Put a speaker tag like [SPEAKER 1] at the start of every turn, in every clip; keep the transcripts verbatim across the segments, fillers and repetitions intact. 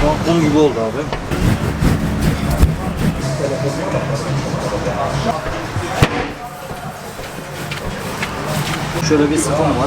[SPEAKER 1] Şu an kum gibi oldu abi. Şöyle bir sıfım var.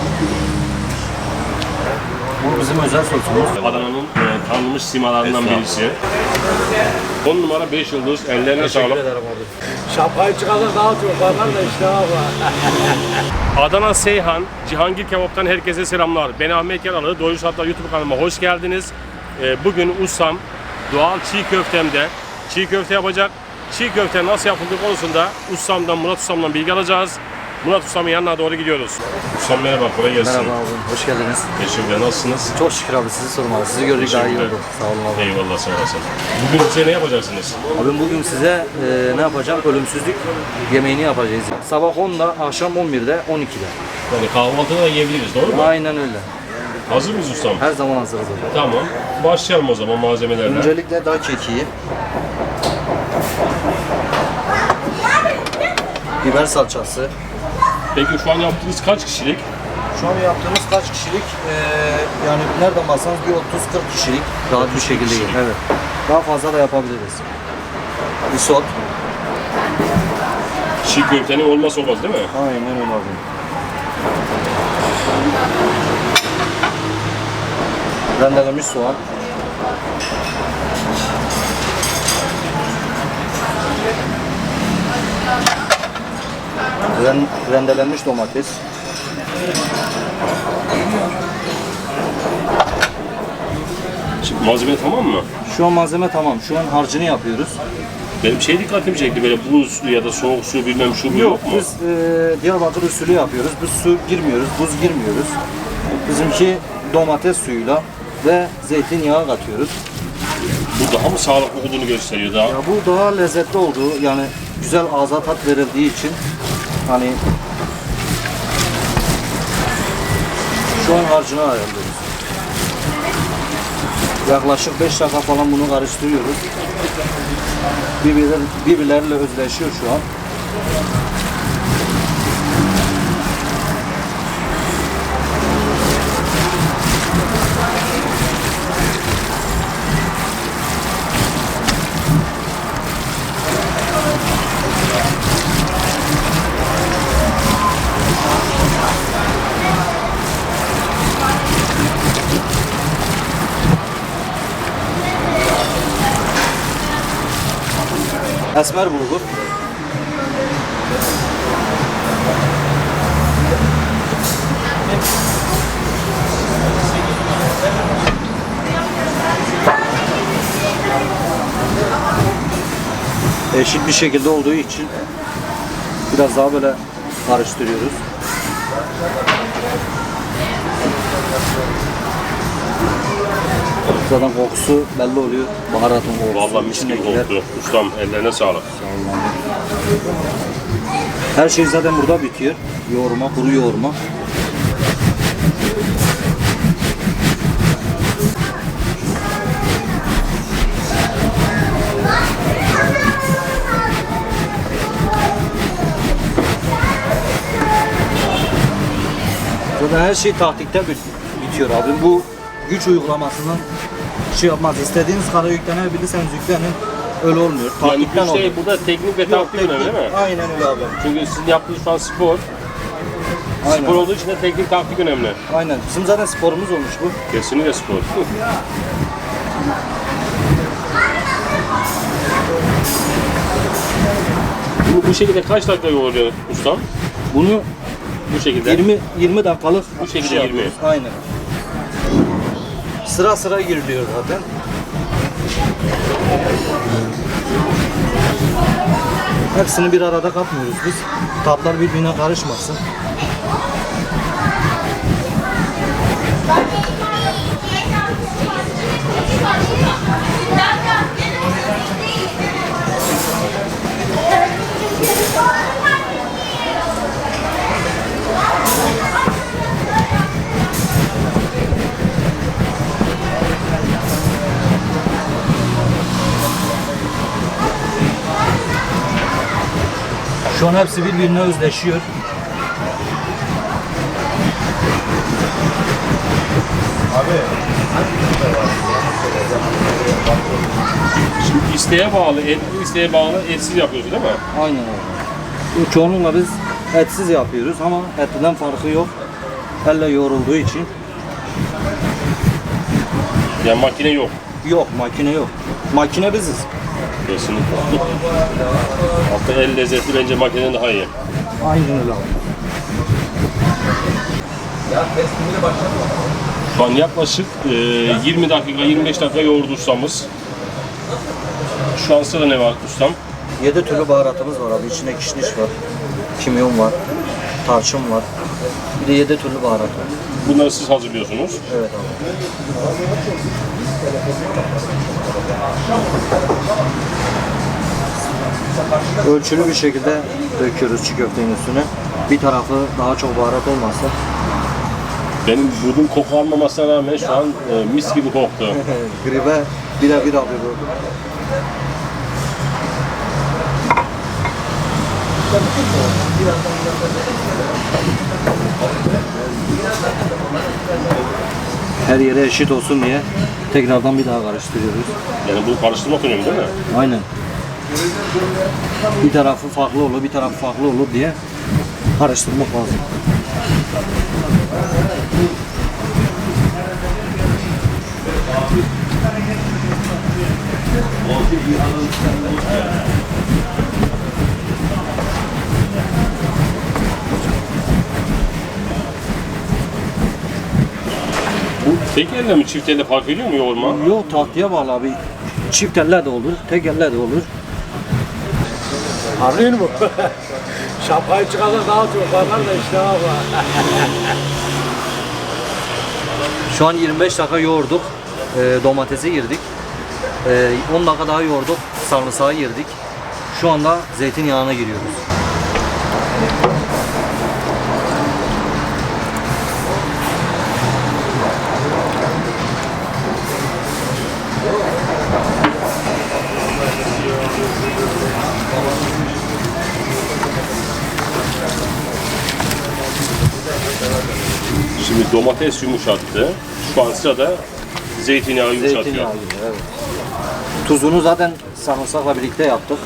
[SPEAKER 1] Bu bizim özel sosumuz.
[SPEAKER 2] Adana'nın e, tanınmış simalarından birisi. on numara beş yıldız. Ellerine sağlık.
[SPEAKER 1] Teşekkür ederim abi.
[SPEAKER 3] Şapkayı çıkarsa daha çok bakar da işte abi.
[SPEAKER 2] Adana Seyhan, Cihangir Kebap'tan herkese selamlar. Ben Ahmet Yaralı, Doyuş Hatlar YouTube kanalıma hoş geldiniz. E, bugün ustam doğal çiğ köftemde çiğ köfte yapacak. Çiğ köfte nasıl yapıldığı konusunda ustamdan, Murat ustamdan bilgi alacağız. Murat ustamın yanına doğru gidiyoruz. Ustam merhaba, kolay gelsin.
[SPEAKER 1] Merhaba abi, hoş geldiniz.
[SPEAKER 2] Teşekkürler, nasılsınız?
[SPEAKER 1] Çok şükür abi, sizi sormalı. Sizi gördük daha iyi oldu. Sağ olun abi.
[SPEAKER 2] Eyvallah, sağ olasın. Bugün size ne yapacaksınız?
[SPEAKER 1] Abi bugün size e, ne yapacağım? Ölümsüzlük yemeğini yapacağız. Sabah onda, akşam on birde, on ikide.
[SPEAKER 2] Yani kahvaltıda da yiyebiliriz, doğru mu?
[SPEAKER 1] Aynen öyle.
[SPEAKER 2] Hazır mıyız ustam?
[SPEAKER 1] Her zaman hazırız abi.
[SPEAKER 2] Tamam. Başlayalım o zaman malzemelerle.
[SPEAKER 1] Öncelikle dağ kekiği, biber salçası.
[SPEAKER 2] Peki şu an yaptığınız kaç kişilik?
[SPEAKER 1] Şu an yaptığımız kaç kişilik? Ee, yani nereden baksanız bir otuz kırk kişilik rahat bir şekilde yiyin. Evet. Daha fazla da yapabiliriz. Isot.
[SPEAKER 2] Çiğ köftenin olmazsa olmaz değil mi?
[SPEAKER 1] Aynen öyle abi. Rendelenmiş soğan. Ren, rendelenmiş domates.
[SPEAKER 2] Şimdi malzeme tamam mı?
[SPEAKER 1] Şu an malzeme tamam. Şu an harcını yapıyoruz.
[SPEAKER 2] Benim şey dikkatimi çekti, böyle buz ya da soğuk su bilmem şu bu yok mu?
[SPEAKER 1] Biz e, Diyarbakır usulü yapıyoruz. Biz su girmiyoruz, buz girmiyoruz. Bizimki domates suyuyla ve zeytinyağı katıyoruz.
[SPEAKER 2] Bu daha mı sağlıklı olduğunu gösteriyor daha?
[SPEAKER 1] Ya bu daha lezzetli olduğu, yani güzel ağza tat verildiği için hani şu an harcını ayarlıyoruz. Yaklaşık beş dakika falan bunu karıştırıyoruz. Birbirler, birbirleriyle özleşiyor şu an. Esmer bulgur. Eşit bir şekilde olduğu için biraz daha böyle karıştırıyoruz. Zaten kokusu belli oluyor. Baharatın kokusu.
[SPEAKER 2] Vallahi mis gibi
[SPEAKER 1] içindekiler.
[SPEAKER 2] koktu. Ustam ellerine sağlık.
[SPEAKER 1] Her şey zaten burada bitiyor. Yoğurma, kuru yoğurma. Zaten her şey taktikte bitiyor abi. Bu güç uygulamasından şey yapmaz. İstediğiniz kadar yüklenebilirseniz yüklenin. Öyle olmuyor.
[SPEAKER 2] Yani
[SPEAKER 1] Taktikten
[SPEAKER 2] güç değil,
[SPEAKER 1] oluyor.
[SPEAKER 2] burada teknik ve
[SPEAKER 1] Yok,
[SPEAKER 2] taktik
[SPEAKER 1] teknik.
[SPEAKER 2] önemli değil mi?
[SPEAKER 1] Aynen öyle abi.
[SPEAKER 2] Çünkü sizin yaptığınız şu an spor.
[SPEAKER 1] Aynen.
[SPEAKER 2] Spor olduğu için de teknik taktik önemli.
[SPEAKER 1] Aynen. Bizim zaten sporumuz olmuş bu.
[SPEAKER 2] Kesinlikle spor. Bu, bu şekilde kaç dakika yoğuruyor ustam?
[SPEAKER 1] Bunu
[SPEAKER 2] Bu şekilde.
[SPEAKER 1] yirmi yirmi dakikalık
[SPEAKER 2] Bu şekilde
[SPEAKER 1] şey
[SPEAKER 2] yirmi.
[SPEAKER 1] yapıyoruz. Aynen. Sıra sıra giriliyor zaten. Hepsini bir arada katmıyoruz biz. Tatlar birbirine karışmasın. Şu an hepsi birbirine özleşiyor. Abi,
[SPEAKER 2] Şimdi isteğe bağlı, etli isteğe bağlı etsiz yapıyoruz değil mi?
[SPEAKER 1] Aynen öyle. Çoğunlukla biz etsiz yapıyoruz ama etliden farkı yok. Elle yoğrulduğu için.
[SPEAKER 2] Yani makine yok.
[SPEAKER 1] Yok, makine yok. Makine biziz.
[SPEAKER 2] Kesinlikle. Hatta el lezzetli bence makineden daha iyi.
[SPEAKER 1] Aynen öyle abi.
[SPEAKER 2] Şu an yaklaşık e, yirmi dakika, yirmi beş dakika yoğurdu ustamız. Şu an sırada ne var ustam?
[SPEAKER 1] Yedi türlü baharatımız var abi. İçinde kişniş var, kimyon var, tarçın var. Bir de yedi türlü baharat var.
[SPEAKER 2] Bunları siz hazırlıyorsunuz.
[SPEAKER 1] Evet abi. Ölçülü bir şekilde döküyoruz çiğ köftenin üstüne. Bir tarafı daha çok baharat olmazsa.
[SPEAKER 2] Benim burnum koku almamasına rağmen şu an e, mis gibi koktu.
[SPEAKER 1] Gribe birebir abi bu. Her yere eşit olsun diye tekrardan bir daha karıştırıyoruz.
[SPEAKER 2] Yani bu karıştırmak önemli değil mi?
[SPEAKER 1] Aynen. Bir tarafı farklı olur, bir tarafı farklı olur diye karıştırmak lazım.
[SPEAKER 2] Bu tek elle mi çift elle fark ediyor mu yoğurma?
[SPEAKER 1] Yok, tahtıya bağlı abi. Çift elle de olur, tek elle de olur.
[SPEAKER 3] Arıyor mu? Şapkayı çıkarsa dağıtıyor. Barlar da işte var.
[SPEAKER 1] Şu an yirmi beş dakika yoğurduk. Ee, domatesi girdik. Ee, on dakika daha yoğurduk. Sarımsağı girdik. Şu anda zeytinyağına giriyoruz.
[SPEAKER 2] Şimdi domates yumuşattı. Şu an sırada zeytinyağı yumuşatıyor.
[SPEAKER 1] Zeytinyağı giriyor, evet. Tuzunu zaten sarımsakla birlikte yaptık.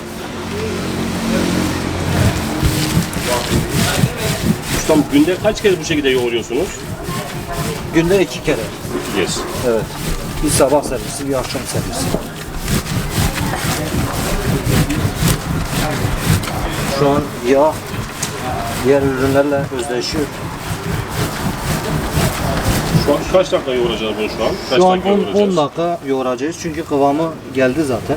[SPEAKER 2] Ustam günde kaç kez bu şekilde yoğuruyorsunuz?
[SPEAKER 1] Günde iki kere.
[SPEAKER 2] İki kez.
[SPEAKER 1] Evet. Bir sabah servisi, bir akşam servisi. Şu an yağ diğer ürünlerle özdeşiyor.
[SPEAKER 2] Şu an kaç dakika yoğuracağız bunu şu an? Kaç
[SPEAKER 1] Şu an
[SPEAKER 2] dakika
[SPEAKER 1] on,
[SPEAKER 2] yoğuracağız?
[SPEAKER 1] on dakika yoğuracağız çünkü kıvamı geldi zaten.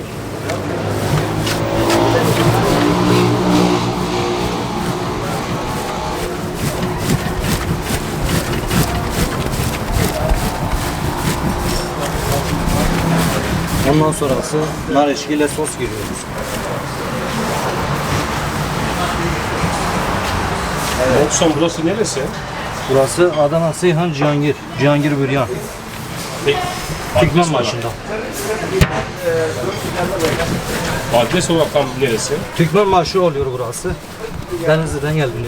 [SPEAKER 1] Ondan sonrası nar eşkiyle sos giriyoruz.
[SPEAKER 2] Evet. Ustam burası neresi?
[SPEAKER 1] Burası Adana Seyhan Cihangir. Cihangir Büryan.
[SPEAKER 2] Peki,
[SPEAKER 1] Türkmen
[SPEAKER 2] adres olarak-
[SPEAKER 1] başında.
[SPEAKER 2] Adres olarak tam neresi?
[SPEAKER 1] Türkmen marşı oluyor burası. Denizli'den geliniyor.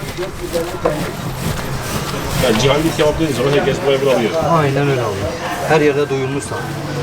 [SPEAKER 2] Yani Cihangir kebap dediğiniz zaman herkes buraya bulabilir.
[SPEAKER 1] Aynen öyle oluyor. Her yerde duyulmuşsa.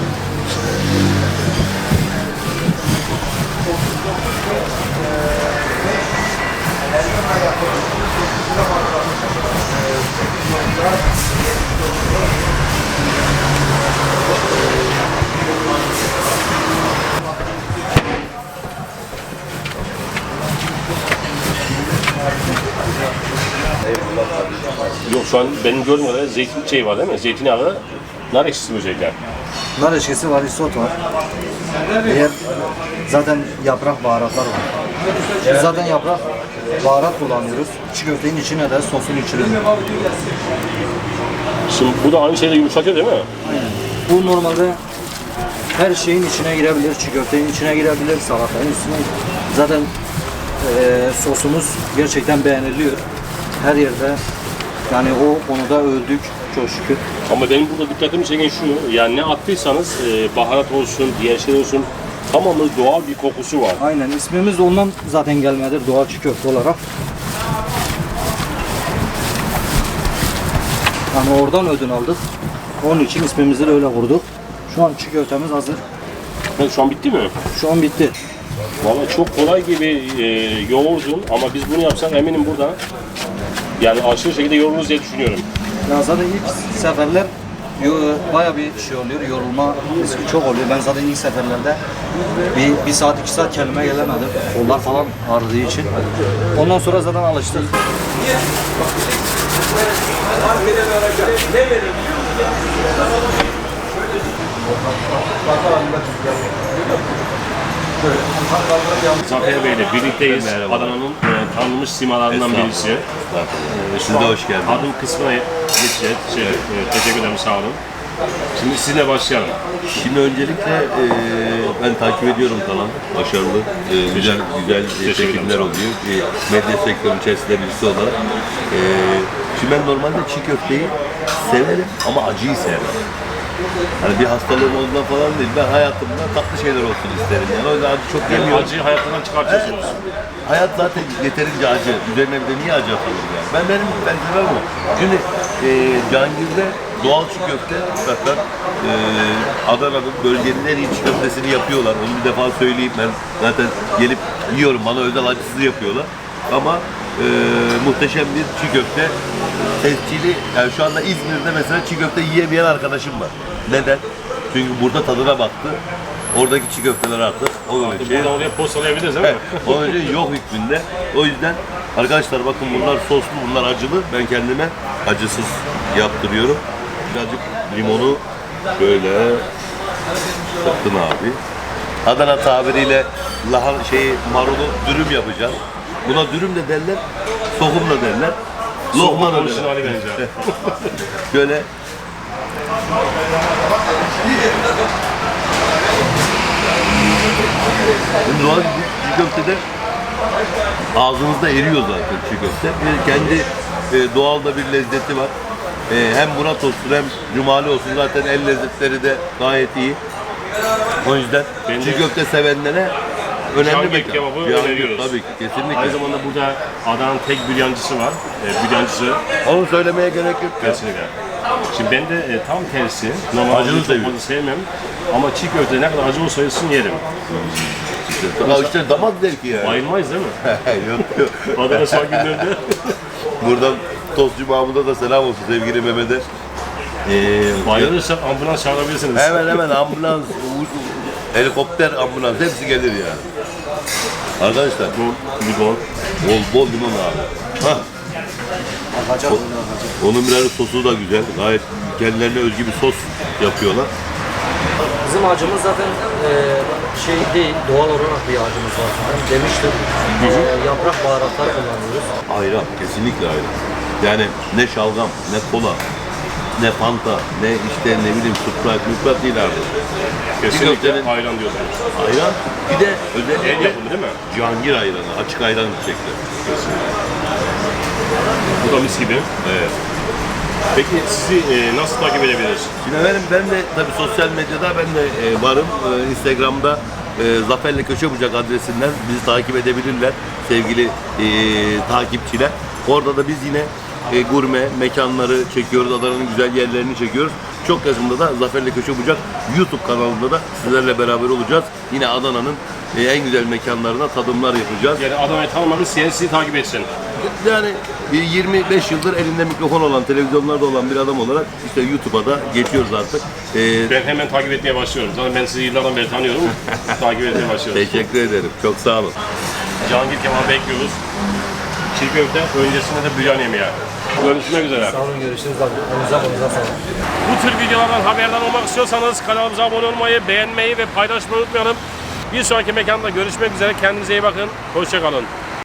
[SPEAKER 2] Yok şu an benim gördüğüm kadarıyla zeytin şey var değil mi? Zeytinyağı, nar ekşisi böcekler.
[SPEAKER 1] Nar eşkisi var, isot var. Diğer zaten yaprak baharatlar var. Biz zaten yaprak baharat kullanıyoruz. Çiğ köftenin içine de sosun içine de.
[SPEAKER 2] Şimdi bu da aynı şeyle yumuşatıyor değil mi?
[SPEAKER 1] Bu normalde her şeyin içine girebilir. Çiğ köftenin içine girebilir, salatanın üstüne. Zaten eee sosumuz gerçekten beğeniliyor. Her yerde yani o konuda öldük çok şükür.
[SPEAKER 2] Ama benim burada dikkatimi çeken şu, yani ne attıysanız e, baharat olsun, diğer şey olsun, tamamı doğal bir kokusu var.
[SPEAKER 1] Aynen ismimiz de ondan zaten gelmedir doğal çiğ köfte olarak. Yani oradan ödün aldık. Onun için ismimizi de öyle kurduk. Şu an çiğ köftemiz hazır.
[SPEAKER 2] Evet, şu an bitti mi?
[SPEAKER 1] Şu an bitti.
[SPEAKER 2] Vallahi çok kolay gibi e, yoğurdun ama biz bunu yapsak eminim burada yani aşırı şekilde yoğururuz diye düşünüyorum.
[SPEAKER 1] Ya zaten ilk seferler yo- bayağı bir şey oluyor, yorulma riski çok oluyor. Ben zaten ilk seferlerde bir, bir saat, iki saat kendime gelemedim. Kollar falan ağrıdığı için. Ondan sonra zaten alıştık.
[SPEAKER 2] Zafer Bey ile birlikteyiz. Adana'nın e, tanınmış simalarından birisi. E,
[SPEAKER 4] Siz de hoş geldiniz.
[SPEAKER 2] Adım kısmına geçeceğiz. Şey, e, teşekkür ederim, sağ olun. Şimdi sizinle başlayalım.
[SPEAKER 4] Şimdi öncelikle e, ben takip ediyorum kanalı. Başarılı, e, güzel güzel e, çekimler oluyor. E, medya sektörünün içerisinde birisi olarak. E, şimdi ben normalde çiğ köfteyi severim ama acıyı sevmem. Hani bir hastalığım olduğundan falan değil. Ben hayatımda tatlı şeyler olsun isterim. Yani o yüzden acı çok
[SPEAKER 2] Yani
[SPEAKER 4] yemiyorum.
[SPEAKER 2] acıyı hayatından çıkartıyorsunuz.
[SPEAKER 4] Hayat zaten yeterince acı. Üzerine bir de niye acı atalım yani? Ben benim ben severim o. Şimdi e, Cihangir'de doğal çiğ köfte zaten e, Adana'nın bölgenin en iyi çiğ köftesini yapıyorlar. Onu bir defa söyleyeyim, ben zaten gelip yiyorum. Bana özel acısız yapıyorlar. Ama e, muhteşem bir çiğ köfte tescili. Yani şu anda İzmir'de mesela çiğ köfte yiyemeyen arkadaşım var. Neden? Çünkü burada tadına baktı. Oradaki çiğ köfteler artık onun için.
[SPEAKER 2] Buradan oraya postalayabiliriz değil mi?
[SPEAKER 4] Onun için yok hükmünde. O yüzden arkadaşlar bakın bunlar soslu, bunlar acılı. Ben kendime acısız yaptırıyorum. Birazcık limonu böyle sıktın abi. Adana tabiriyle lahan şeyi marulu dürüm yapacağım. Buna dürüm de derler, sokum da derler. Lokma da derler.
[SPEAKER 2] Orijinali bence.
[SPEAKER 4] Şöyle Şimdi doğal çiğ köftede ağzınızda eriyor zaten çiğ köfte. Bir kendi e, doğal da bir lezzeti var. E, hem Murat olsun hem Cumali olsun zaten el lezzetleri de gayet iyi. O yüzden
[SPEAKER 2] Ben de-
[SPEAKER 4] çiğ köfte sevenlere önemli
[SPEAKER 2] Cihangir
[SPEAKER 4] mekan.
[SPEAKER 2] kebabı
[SPEAKER 4] Cihangir,
[SPEAKER 2] öneriyoruz.
[SPEAKER 4] tabii ki, kesinlikle.
[SPEAKER 2] Aynı zamanda burada Adana'nın tek büryancısı var. E, büryancısı
[SPEAKER 4] Onu söylemeye gerek yok ya.
[SPEAKER 2] kesinlikle. Şimdi ben de e, tam tersi. Normalde
[SPEAKER 4] Acılı
[SPEAKER 2] acılı çok
[SPEAKER 4] seviyorum.
[SPEAKER 2] fazla sevmem. Ama çiğ köfte ne kadar acı olsa olsun yerim.
[SPEAKER 4] Ya işte damak zevki yani.
[SPEAKER 2] Bayılmayız değil mi?
[SPEAKER 4] yok yok.
[SPEAKER 2] Adana son günlerde.
[SPEAKER 4] Buradan Tostçu Mahmut'a da selam olsun sevgili Mehmet'e. Ee,
[SPEAKER 2] Bayılırsak ambulans çağırabilirsiniz.
[SPEAKER 4] Hemen hemen ambulans, u- u- helikopter ambulans hepsi gelir yani. Arkadaşlar
[SPEAKER 2] Bol, limon.
[SPEAKER 4] bol bol limon abi. Hah,
[SPEAKER 1] Akacak,
[SPEAKER 4] O-
[SPEAKER 1] öyle akacak.
[SPEAKER 4] onun birer sosu da güzel. Gayet kendilerine özgü bir sos yapıyorlar.
[SPEAKER 1] Bizim acımız zaten e, şey değil, doğal olarak bir acımız var. Ben demiştim, e, yaprak baharatlar kullanıyoruz.
[SPEAKER 4] Ayran, kesinlikle ayran. Yani ne şalgam, ne kola, ne fanta, ne işte ne bileyim Sprite, Sprite değil abi.
[SPEAKER 2] Kesinlikle
[SPEAKER 4] köftenin-
[SPEAKER 2] ayran diyorsunuz.
[SPEAKER 4] Ayran, bir de
[SPEAKER 2] El
[SPEAKER 4] özellikle
[SPEAKER 2] yapımı değil mi?
[SPEAKER 4] Cihangir ayranı, açık ayran içecekler.
[SPEAKER 2] Bu da mis gibi.
[SPEAKER 4] Evet.
[SPEAKER 2] Peki sizi e, nasıl takip edebiliriz?
[SPEAKER 4] Şimdi efendim ben de tabii sosyal medyada ben de e, varım. E, Instagram'da e, Zafer'le Köşe Bucak adresinden bizi takip edebilirler sevgili e, takipçiler. Orada da biz yine e, gurme mekanları çekiyoruz. Adana'nın güzel yerlerini çekiyoruz. Çok yakında da Zafer'le Köşe Bucak YouTube kanalında da sizlerle beraber olacağız. Yine Adana'nın e, en güzel mekanlarına tadımlar yapacağız.
[SPEAKER 2] Yani Adana'yı tanımadı, sizi takip etsin.
[SPEAKER 4] Yani bir yirmi beş yıldır elinde mikrofon olan, televizyonlarda olan bir adam olarak işte YouTube'a da geçiyoruz artık. Ee,
[SPEAKER 2] Ben hemen takip etmeye başlıyorum. Zaten ben sizi yıllardan beri tanıyorum. takip etmeye başlıyorum.
[SPEAKER 4] teşekkür ederim. Çok sağ olun.
[SPEAKER 2] Cihangir kebabı bekliyoruz. Çiğ köfte, öncesinde de büryan yemeği. Görüşmek üzere.
[SPEAKER 1] Sağ olun, görüşürüz abi. Elinize kolunuza sağlık.
[SPEAKER 2] Bu tür videolardan haberdar olmak istiyorsanız kanalımıza abone olmayı, beğenmeyi ve paylaşmayı unutmayalım. Bir sonraki mekanda görüşmek üzere. Kendinize iyi bakın. Hoşça kalın.